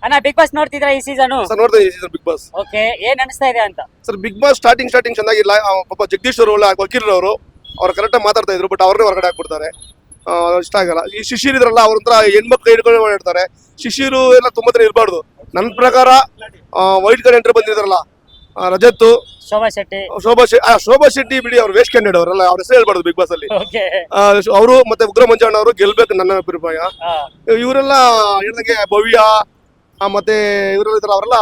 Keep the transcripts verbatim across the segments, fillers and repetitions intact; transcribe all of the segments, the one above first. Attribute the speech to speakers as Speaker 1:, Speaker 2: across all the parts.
Speaker 1: ಅಣ್ಣ big boss ನೋಡ್ತಿದ್ರ ಈ season?
Speaker 2: Sir ನೋಡ್ತಾ ಈ ಸೀಸನ್ ಬಿಗ್ ಬಾಸ್.
Speaker 1: ಓಕೆ, ಏನ್ ಅನಿಸ್ತಾ ಇದೆ ಅಂತ?
Speaker 2: Sir big boss starting starting ಚೆನ್ನಾಗಿಲ್ಲ. ಪಾಪ ಜಗದೀಶ್ ಅವರು ಒಳ್ಳೆ ವಕೀಲರವರು ಅವ್ರು ಕರೆಕ್ಟಾಗಿ ಮಾತಾಡ್ತಾ ಇದ್ರು, ಬಟ್ ಅವ್ರನ್ನೇ ಹೊರಗಡೆ ಹಾಕ್ಬಿಡ್ತಾರೆ. ಇಷ್ಟ ಆಗಲ್ಲ. ಈ ಶಿಶಿರ್ ಇದ್ರಲ್ಲ ಅವ್ರ ಹೆಣ್ಮಕ್ಳು ಹಿಡ್ಕೊಂಡು ಓಡಾಡ್ತಾರೆ. ಶಿಶಿರು ಎಲ್ಲ ತುಂಬಾ ತರ ಇರಬಾರ್ದು. ನನ್ನ ಪ್ರಕಾರ ವೈಟ್ ಕಾರ್ಡ್ ಎಂಟ್ರಿ ಬಂದಿದ್ರಲ್ಲ ರಜತ್,
Speaker 1: ಶೋಭಾ ಶೆಟ್ಟಿ,
Speaker 2: ಶೋಭಾ ಶೆಟ್ಟಿ ಶೋಭಾ ಶೆಟ್ಟಿ ಬಿಡಿ, ಅವ್ರು ವೇಸ್ಟ್ ಕ್ಯಾಂಡಿಡೇಟ್ ಅವರಲ್ಲ, ಅವ್ರ ಹೆಸರು ಹೇಳ್ಬಾರ್ದು ಬಿಗ್ ಬಾಸ್ ಅಲ್ಲಿ.
Speaker 1: ಓಕೆ,
Speaker 2: ಅವರು ಮತ್ತೆ ಉಗ್ರ ಮಂಜಣ್ಣ ಅವರು ಗೆಲ್ಬೇಕು ನನ್ನ ಅಭಿಪ್ರಾಯ. ಇವರೆಲ್ಲ ಹೇಳ್ದಂಗೆ ಭವ್ಯ ಮತ್ತೆ ಇವರೆಲ್ಲ ಇದ್ರ ಅವರೆಲ್ಲ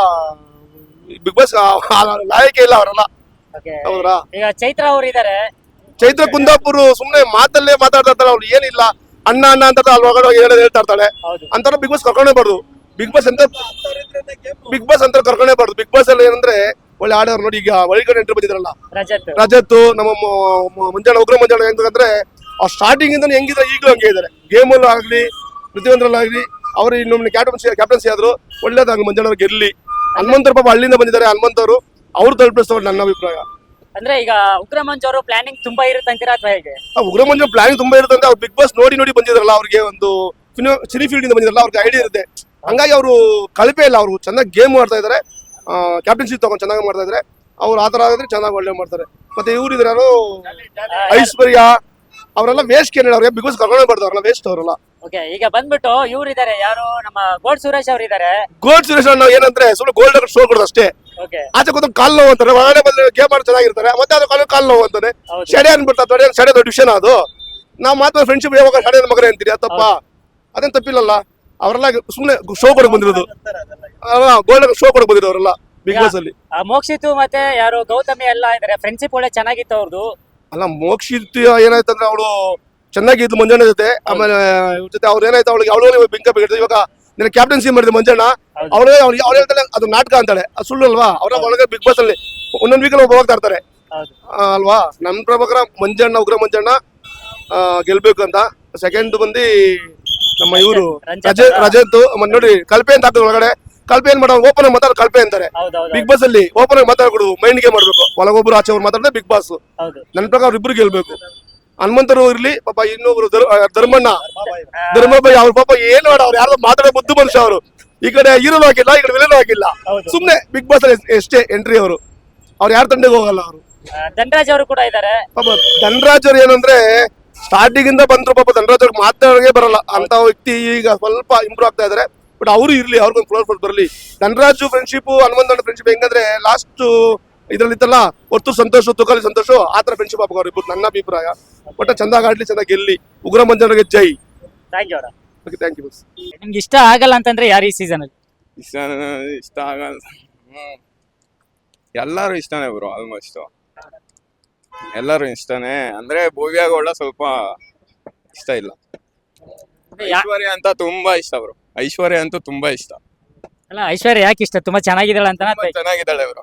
Speaker 2: ಬಿಗ್ ಬಾಸ್ ಲಾಯಕೆ ಇಲ್ಲ ಅವರೆಲ್ಲ. ಹೌದ್ರಾ?
Speaker 1: ಈಗ ಚೈತ್ರ ಅವರು ಇದಾರೆ.
Speaker 2: ಚೈತ್ರ ಕುಂದಾಪುರ್ ಸುಮ್ನೆ ಮಾತಲ್ಲೇ ಮಾತಾಡ್ತಾ ಇರ್ತಾರೆ. ಅವ್ರು ಏನಿಲ್ಲ, ಅಣ್ಣ ಅಣ್ಣ ಅಂತ ಅಲ್ಲಿ ಒಳಗಡೆ ಹೇಳೋದು ಹೇಳ್ತಾ ಇರ್ತಾಳೆ. ಅಂತಾರ ಬಿಗ್ ಬಾಸ್ ಕರ್ಕೊಂಡೇ ಬಾರ್ದು. ಬಿಗ್ ಬಾಸ್ ಅಂತ ಬಿಗ್ ಬಾಸ್ ಅಂತ ಕರ್ಕೊಂಡೇ ಬಾರ್ದು. ಬಿಗ್ ಬಾಸ್ ಅಲ್ಲಿ ಏನಂದ್ರೆ ಒಳ್ಳೆ ಆಡೋರು ನೋಡಿ. ಈಗ ಒಳಗಡೆ ಎಂಟ್ರಿ ಬಂದಿದ್ರಲ್ಲ ರಜತ್, ನಮ್ಮ ಮಂಜಾಣ ಉಗ್ರ ಮಂಜಾಣ ಹೆಂಗಂದ್ರೆ ಅವ್ರು ಸ್ಟಾರ್ಟಿಂಗ್ ಇಂದ ಹೆಂಗಿದ್ರೆ ಈಗಲೂ ಹಂಗೆ ಇದಾರೆ. ಗೇಮ್ ಅಲ್ಲೂ ಆಗ್ಲಿ ಪ್ರತಿಯೊಂದ್ರಲ್ಲಾಗ್ಲಿ ಅವ್ರು ಇನ್ನೊಮ್ಮೆ ಕ್ಯಾಪ್ಟನ್ಸಿ ಕ್ಯಾಪ್ಟನ್ಸಿ ಆದ್ರು ಒಳ್ಳೇದಾಗ ಮಂಜಾಣ ಗೆಲ್ಲಿ. ಹನುಮಂತರು ಪಾಪ ಹಳ್ಳಿಯಿಂದ ಬಂದಿದ್ದಾರೆ. ಹನುಮಂತವರು ಅವ್ರು ತಲುಪಿಸ್ತವ್ರು ನನ್ನ ಅಭಿಪ್ರಾಯ.
Speaker 1: ಅಂದ್ರೆ ಈಗ ಉಗ್ರ ಮಂಜು ಅವರು ಪ್ಲಾನಿಂಗ್ ತುಂಬಾ ಇರುತ್ತೆ ಅಂತೀರಾ ಅಥವಾ ಹೇಗೆ?
Speaker 2: ಉಗ್ರ ಮಂಜು ಪ್ಲಾನಿಂಗ್ ತುಂಬಾ ಇರುತ್ತೆ ಅಂತ ಅವ್ರು ಬಿಗ್ ಬಾಸ್ ನೋಡಿ ನೋಡಿ ಬಂದಿದ್ರಲ್ಲ, ಅವ್ರಿಗೆ ಒಂದು ಸಿನಿ ಫೀಲ್ಡ್ ಇಂದ ಬಂದಿದ್ರಲ್ಲ, ಅವ್ರಿಗೆ ಐಡಿಯಾ ಇರುತ್ತೆ. ಹಂಗಾಗಿ ಅವರು ಕಳಪೆ ಇಲ್ಲ, ಅವರು ಚೆನ್ನಾಗಿ ಗೇಮ್ ಮಾಡ್ತಾ ಇದಾರೆ. ಕ್ಯಾಪ್ಟನ್ಸಿ ತಗೊಂಡು ಚೆನ್ನಾಗಿ ಮಾಡ್ತಾ ಇದಾರೆ. ಅವ್ರು ಆತರ ಆಗಿದ್ರೆ ಚೆನ್ನಾಗಿ ಒಳ್ಳೆ ಮಾಡ್ತಾರೆ. ಮತ್ತೆ ಇವ್ರು ಇದ್ರೆ ಯಾರು ಐಶ್ವರ್ಯ ಅವರೆಲ್ಲ ವೇಸ್ಟ್ ಕೇಳಿ ಅವ್ರಿಗೆ ಬಿಗ್ ಬಾಸ್ ಕರ್ಕೊಂಡೇ ಬರ್ತಾರೆ. ಅವ್ರಲ್ಲ ವೇಸ್ಟ್ ಅವರಲ್ಲ.
Speaker 1: ಓಕೆ, ಈಗ ಬಂದ್ಬಿಟ್ಟು ಇವ್ರು ಇದಾರೆ, ಯಾರು ನಮ್ಮ ಗೋಲ್ಡ್ ಸುರೇಶ್ ಅವ್ರು ಇದಾರೆ.
Speaker 2: ಗೋಲ್ಡ್ ಸುರೇಶ್ ನಾವು ಏನಂದ್ರೆ ಸುಮ್ಮನೆ ಗೋಲ್ಡ್ ಶೋ ಕೊಡೋದು ಅಷ್ಟೇ. ಆಚೆ ಕೂತು ಕಾಲ್ ನೋವು ಅಂತಾರೆ, ಒಳಗಡೆ ಬಂದ್ರೆ ಗೇಮ್ ಮಾಡಿ ಚೆನ್ನಾಗಿರ್ತಾರೆ. ಮತ್ತೆ ಅದು ಕಾಲು ಕಾಲ್ ನೋವು ಅಂತಾನೆ. ಶಡೆ ಅನ್ಬಿಡ್ತಾರೆ. ಶಡೆ ದೊಡ್ಡ ವಿಷಯನ ಅದು. ನಾವು ಮಾತ್ರ ಫ್ರೆಂಡ್ಶಿಪ್ ಯಾವಾಗ ಶಡೆ ಮಗನೇ ಅಂತೀರಿ, ಅದು ತಪ್ಪ? ಅದೇನ್ ತಪ್ಪಿಲ್ಲಲ್ಲ. ಅವರೆಲ್ಲ ಸುಮ್ಮನೆ ಶೋ ಕೊಡಕ್ ಬಂದಿರೋದು. ಗೋಲ್ಡ್ ಶೋ ಕೊಡಕ್ ಬಂದಿರೋ ಅವರೆಲ್ಲ ಬಿಗ್ ಬಾಸ್ ಅಲ್ಲಿ.
Speaker 1: ಮೋಕ್ಷಿತು ಮತ್ತೆ ಯಾರು ಗೌತಮಿ ಎಲ್ಲ ಇದಾರೆ. ಫ್ರೆಂಡ್ಶಿಪ್ ಒಳ್ಳೆ ಚೆನ್ನಾಗಿತ್ತು ಅವ್ರದ್ದು.
Speaker 2: ಅಲ್ಲ, ಮೋಕ್ಷಿತ್ ಏನಾಯ್ತಂದ್ರೆ ಅವಳು ಚೆನ್ನಾಗಿದ್ದು ಮಂಜಣ್ಣ ಜೊತೆ. ಆಮೇಲೆ ಇವ್ರ ಜೊತೆ ಅವ್ರು ಏನಾಯ್ತು, ಅವಳಿಗೆ ಅವಳು ಬಿಂಕ ಬಿಗಿಡ್ತು. ಇವಾಗ ನಿನ್ನ ಕ್ಯಾಪ್ಟನ್ಸಿ ಮಾಡಿದ್ರು ಮಂಜಣ್ಣ. ಅವಳೇ ಅವ್ರು ಹೇಳ್ತಾಳೆ ಅದು ನಾಟಕ ಅಂತಾಳೆ. ಅದು ಸುಳ್ಳು ಅಲ್ವಾ? ಅವ್ರ ಒಳಗೆ ಬಿಗ್ ಬಾಸ್ ಅಲ್ಲಿ ಒಂದೊಂದು ವೀಕಲ್ಲಿ ಒಬ್ಬ ಹೋಗ್ತಾ ಇರ್ತಾರೆ ಅಲ್ವಾ? ನನ್ನ ಪ್ರಕಾರ ಮಂಜಣ್ಣ ಉಗ್ರ ಮಂಜಣ್ಣ ಗೆಲ್ಬೇಕು ಅಂತ. ಸೆಕೆಂಡ್ ಬಂದು ನಮ್ಮ ಇವರು ರಜತ್ ರಜತ್ ನೋಡಿ ಕಲ್ಪೆ ಅಂತ ಹಾಕಿದ್ರು ಒಳಗಡೆ. ಕಲ್ಪೆ ಏನ್ ಮಾಡೋದು, ಓಪನ್ ಆಗಿ ಮಾತಾಡ ಕಲ್ಪೆ ಅಂತಾರೆ. ಬಿಗ್ ಬಾಸ್ ಅಲ್ಲಿ ಓಪನ್ ಆಗಿ ಮಾತಾಡ್ಕೊಡುದು, ಮೈಂಡ್ ಗೆ ಮಾಡ್ಬೇಕು. ಒಳಗೊಬ್ರು ಆಚೆ ಅವ್ರು ಮಾತಾಡಿದ್ರೆ ಬಿಗ್ ಬಾಸ್. ನನ್ನ ಪ್ರಕಾರ ಅವ್ರಿಬ್ರು ಗೆಲ್ಬೇಕು. ಹನುಮಂತರು ಇರ್ಲಿ, ಪಾಪ ಇನ್ನೊಬ್ರು ಧರ್ಮಣ್ಣ ಧರ್ಮಭಾಯಿ ಅವ್ರ ಪಾಪ ಏನ್ ಮಾಡ, ಅವ್ರು ಯಾರು ಮಾತಾಡೋ ಬುದ್ಧು ಮನುಷ್ಯ. ಅವರು ಈ ಕಡೆ ಹೀರೋನು ಹಾಕಿಲ್ಲ, ಈ ಕಡೆ ವಿಲನ್ ಹಾಕಿಲ್ಲ. ಸುಮ್ನೆ ಬಿಗ್ ಬಾಸ್ ಅಲ್ಲಿ ಎಷ್ಟೇ ಎಂಟ್ರಿ ಅವರು. ಅವ್ರು ಯಾರು ತಂಡಕ್ಕೆ ಹೋಗಲ್ಲ. ಅವರು
Speaker 1: ಧನರಾಜ್ ಅವರು ಕೂಡ ಇದಾರೆ.
Speaker 2: ಪಾಪ ಧನರಾಜ್ ಅವ್ರು ಏನಂದ್ರೆ ಸ್ಟಾರ್ಟಿಂಗ್ ಇಂದ ಬಂದ್ರು. ಪಾಪ ಧನರಾಜ್ ಅವ್ರಿಗೆ ಮಾತಾಡೋಕೆ ಬರಲ್ಲ ಅಂತ ವ್ಯಕ್ತಿ. ಈಗ ಸ್ವಲ್ಪ ಇಂಪ್ರೂವ್ ಆಗ್ತಾ ಇದಾರೆ. ಬಟ್ ಅವರು ಇರ್ಲಿ, ಅವ್ರಿಗೊಂದು ಫ್ಲೋರ್ ಫೋರ್ಸ್ ಬರಲಿ. ಧನರಾಜು ಫ್ರೆಂಡ್ಶಿಪ್ ಹನುಮಂತಣ್ಣ ಫ್ರೆಂಡ್ಶಿಪ್ ಹೆಂಗಂದ್ರೆ ಲಾಸ್ಟ್ ಇದ್ರಲ್ಲಿ ಇತ್ತಲ್ಲ, ಹೊತ್ತು ಸಂತೋಷ ತುಕಾಲಿ ಸಂತೋಷ, ಆತರ ಫ್ರೆಂಡ್ಶಿಪ್ ಆಗ್ಬೇಕು ಅವ್ರಿಬ್ರು ನನ್ನ ಅಭಿಪ್ರಾಯ. ಒಟ್ಟ ಚಂದಾಗಿ ಆಡ್ಲಿ, ಚೆನ್ನಾಗಿ ಗೆಲ್ಲಿ. ಉಗ್ರ ಮಂಜನಿಗೆ ಜೈ.
Speaker 1: Thank you.
Speaker 2: Okay, thank you.
Speaker 1: ನಿಮ್ಗೆ ಇಷ್ಟ ಆಗಲ್ಲ ಅಂತಂದ್ರೆ ಯಾರು ಈ ಸೀಸನ್ ಅಲ್ಲಿ?
Speaker 3: ಇಷ್ಟ ಇಷ್ಟ ಆಗಲ್ಲ, ಎಲ್ಲರೂ ಇಷ್ಟನೇ ಬ್ರೋ. ಆಲ್ಮೋಸ್ಟ್ ಎಲ್ಲರೂ ಇಷ್ಟನೇ. ಅಂದ್ರೆ ಭವ್ಯಗೌಡ ಸ್ವಲ್ಪ ಇಷ್ಟ ಇಲ್ಲ. ಐಶ್ವರ್ಯ ಅಂತ ತುಂಬಾ ಇಷ್ಟ ಬ್ರೋ. ಐಶ್ವರ್ಯ ಅಂತೂ ತುಂಬಾ ಇಷ್ಟ.
Speaker 1: ಅಲ್ಲ, ಐಶ್ವರ್ಯ ಯಾಕೆ ಇಷ್ಟ? ತುಂಬಾ ಚೆನ್ನಾಗಿದ್ದಾಳೆ ಅಂತ.
Speaker 3: ಚೆನ್ನಾಗಿದ್ದಾಳೆ ಬ್ರೋ,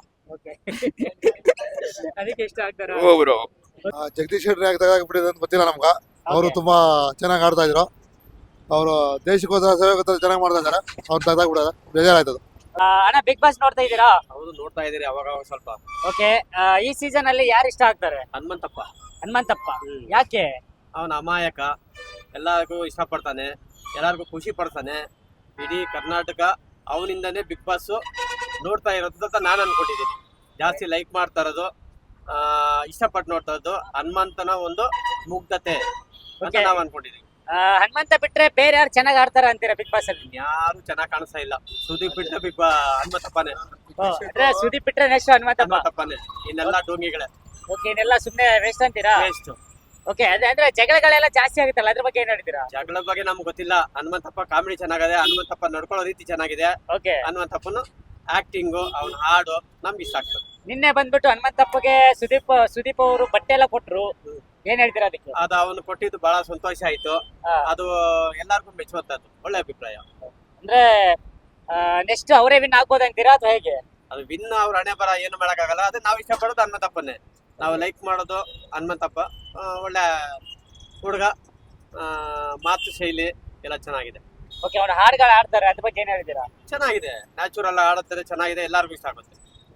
Speaker 1: ಅದಕ್ಕೆ ಇಷ್ಟ ಆಗ್ತಾರೆ.
Speaker 3: ಓ ಬ್ರೋ,
Speaker 4: ಜಗದೀಶ್ ಶೆಟ್ಟರ್ ಯಾಕೆ ತೆಗೆದಾಕ್ಬಿಟ್ಟಿದೆ ಅಂತ ಗೊತ್ತಿಲ್ಲ ನಮ್ಗ. ಅವರು ತುಂಬಾ ಚೆನ್ನಾಗಿ ಆಡ್ತಾ ಇದ್ರು. ಅವರು ದೇಶಕ್ಕೋಸ್ಕರ ಸೇವೆಗೋಸ್ಕರ ಚೆನ್ನಾಗಿ ಮಾಡ್ತಾ ಇದಾರೆ. ಅವ್ರು ತೆಗೆದಾಕ್ಬಿಡೋದು ಬೇಜಾರಾಯ್ತದ.
Speaker 1: ಅಣ್ಣ ಬಿಗ್ ಬಾಸ್ ನೋಡ್ತಾ ಇದ್ದೀರಾ?
Speaker 5: ಹೌದು, ನೋಡ್ತಾ ಇದೀರಿ ಅವಾಗ ಸ್ವಲ್ಪ.
Speaker 1: ಓಕೆ, ಈ ಸೀಸನ್ ಅಲ್ಲಿ ಯಾರು ಇಷ್ಟ ಆಗ್ತಾರೆ?
Speaker 5: ಹನುಮಂತಪ್ಪ.
Speaker 1: ಹನುಮಂತಪ್ಪ ಯಾಕೆ?
Speaker 5: ಅವನ ಅಮಾಯಕ, ಎಲ್ಲರಿಗೂ ಇಷ್ಟಪಡ್ತಾನೆ, ಎಲ್ಲರಿಗೂ ಖುಷಿ ಪಡ್ತಾನೆ. ಇಡೀ ಕರ್ನಾಟಕ ಅವನಿಂದನೇ ಬಿಗ್ ಬಾಸ್ ನೋಡ್ತಾ ಇರೋದು ಅಂತ ನಾನು ಅನ್ಕೊಂಡಿದ್ದೀನಿ. ಜಾಸ್ತಿ ಲೈಕ್ ಮಾಡ್ತಾ ಇರೋದು, ಇಷ್ಟಪಟ್ಟು ನೋಡ್ತಾ ಇರೋದು ಹನುಮಂತನ ಒಂದು ಮುಗ್ಧತೆ ಅಂತ ನಾವು ಅನ್ಕೊಂಡಿದೀವಿ.
Speaker 1: ಹನುಮಂತ ಬಿಟ್ರೆ ಬೇರೆ ಯಾರು ಚೆನ್ನಾಗಿ ಆಡ್ತಾರ ಅಂತೀರಾ ಬಿಗ್ ಬಾಸ್ ಅಲ್ಲಿ?
Speaker 5: ಯಾರು ಚೆನ್ನಾಗಿ ಕಾಣಿಸ್ತಾ ಇಲ್ಲ. ಸುದೀಪ್ ಬಿಟ್ರೆ ಬಿಗ್ ಹನುಮಂತಪ್ಪನೇ.
Speaker 1: ಸುದೀಪ್ ಬಿಟ್ರೆ ನೆಕ್ಸ್ಟ್ ಹನುಮಂತಪ್ಪ.
Speaker 5: ಹನುಮಂತಪ್ಪನೇ. ಇನ್ನೆಲ್ಲ ಡೋಂಗಿಗಳೇ.
Speaker 1: ಓಕೆ, ಇನ್ನೆಲ್ಲ ಸುಮ್ನೆ ವೇಸ್ಟ್ ಅಂತೀರಾ?
Speaker 5: ವೇಸ್ಟ್.
Speaker 1: ಓಕೆ, ಅಂದ್ರೆ ಜಗಳಗಳೆಲ್ಲ ಜಾಸ್ತಿ ಆಗುತ್ತಲ್ಲ, ಅದ್ರ ಬಗ್ಗೆ ಏನ್ ಹೇಳ್ತೀರಾ?
Speaker 5: ಜಗಳ ಬಗ್ಗೆ ನಮ್ಗೆ ಗೊತ್ತಿಲ್ಲ. ಹನುಮಂತಪ್ಪ ಕಾಮಿಡಿ ಚೆನ್ನಾಗಿದೆ, ಹನುಮಂತಪ್ಪ ನಡ್ಕೊಳ್ಳೋ ರೀತಿ ಚೆನ್ನಾಗಿದೆ.
Speaker 1: ಓಕೆ,
Speaker 5: ಹನುಮಂತಪ್ಪನ ಆಕ್ಟಿಂಗು, ಅವನ ಹಾಡು ನಮ್ಗೆ ಇಷ್ಟ ಆಗ್ತದೆ.
Speaker 1: ನಿನ್ನೆ ಬಂದ್ಬಿಟ್ಟು ಹನುಮಂತಪ್ಪಗೆ ಸುದೀಪ್ ಸುದೀಪ್ ಅವರು ಬಟ್ಟೆ ಎಲ್ಲ ಕೊಟ್ರು, ಏನ್ ಹೇಳ್ತೀರಾ ಅದಕ್ಕೆ?
Speaker 5: ಅದು ಅವನು ಕೊಟ್ಟಿದ್ದು ಬಹಳ ಸಂತೋಷ ಆಯ್ತು. ಅದು ಎಲ್ಲಾರ್ಗು ಮೆಚ್ಚುವಂತದ್ದು, ಒಳ್ಳೆ ಅಭಿಪ್ರಾಯ.
Speaker 1: ಅಂದ್ರೆ ನೆಕ್ಸ್ಟ್ ಅವರೇ ವಿನ್ ಆಗ್ಬೋದು ಅಂತೀರಾ ಅಥವಾ ಹೇಗೆ?
Speaker 5: ಅದು ವಿನ್ ಅವ್ರ ಹಣೆ ಬರ ಏನು ಮಾಡಕ್ಕಾಗಲ್ಲ. ಅದೇ ನಾವು ಇಷ್ಟಪಡೋದು ಹನುಮಂತಪ್ಪನೇ. ನಾವು ಲೈಕ್ ಮಾಡೋದು ಹನುಮಂತಪ್ಪ. ಒಳ್ಳೆ ಹುಡುಗ, ಮಾತು ಶೈಲಿ ಎಲ್ಲ ಚೆನ್ನಾಗಿದೆ.
Speaker 1: ಓಕೆ, ಅವ್ರ ಹಾಡುಗಳು ಆಡ್ತಾರೆ, ಅದ್ರ ಬಗ್ಗೆ ಏನ್ ಹೇಳ್ತೀರಾ?
Speaker 5: ಚೆನ್ನಾಗಿದೆ, ನ್ಯಾಚುರಲ್ ಆಡುತ್ತಾರೆ, ಚೆನ್ನಾಗಿದೆ, ಎಲ್ಲರಿಗೂ ಇಷ್ಟ ಆಗುತ್ತೆ.